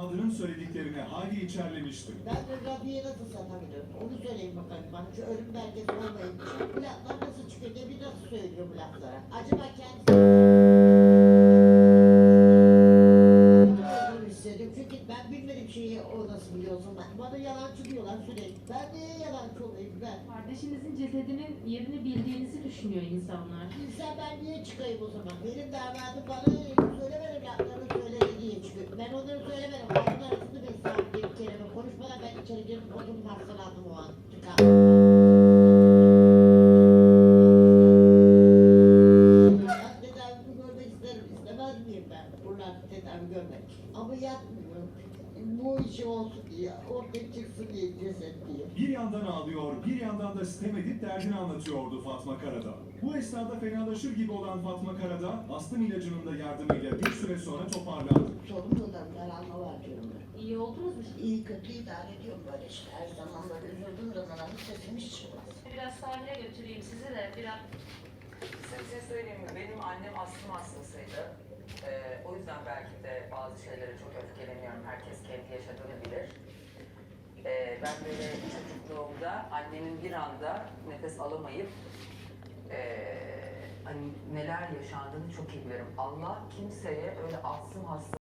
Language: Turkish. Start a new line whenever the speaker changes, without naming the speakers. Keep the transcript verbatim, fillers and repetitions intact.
damadının söylediklerine Hayri içerlemişti.
Ben de Rabia'ya nasıl satabilirim? Onu söyleyin bakalım bana. Şu ölüm belgesi olmayınca. Bu laflar nasıl çıkıyor? Ne bir nasıl söylüyor bu laflara? Acaba kendisi... olduğunu hissediyorum. Çünkü ben bilmediğim şeyi o nasıl biliyorsun ben. Bana yalancı diyorlar sürekli. Ben niye yalancı olayım ben?
Kardeşinizin cesedinin yerini bildiğinizi düşünüyor insanlar.
İnsan ben niye çıkayım o zaman? Benim damadım bana söylemedim laflarını söyledi diye çıkıyor. Ben onları söylemedim. Ağzının arasında bir saat bir kelime konuşmadan ben içeri girip oturup hastalandım o an. Çıkardım. Ben tedavimi görmek isterim. İstemez miyim ben? Buradan tedavi görmek. Ama yapmıyorum. Bu işi olsun diye, ortaya çıksın diye ceset diye.
Bir yandan ağlıyor, bir yandan da sitem edip derdini anlatıyordu Fatma Karadağ. Bu esnada fenalaşır gibi olan Fatma Karadağ, astım ilacının da yardımıyla bir süre sonra toparlandı.
Sorumludan daralma var diyorum ben.
İyi oldunuz mu?
İyi kötü idare ediyorum böyle işte. Her zaman böyle üzüldüğüm zaman ama sesim hiç çıkmaz.
Biraz sahile götüreyim sizi de biraz.
Size bir şey söyleyeyim mi? Benim annem astım hastasıydı. Ee, o yüzden belki de bazı şeylere çok öfkeleniyorum. Herkes kendi yaşadığını bilir. Ee, ben böyle çocukluğumda annemin bir anda nefes alamayıp ee, hani neler yaşandığını çok iyi bilirim. Allah kimseye öyle astım hastası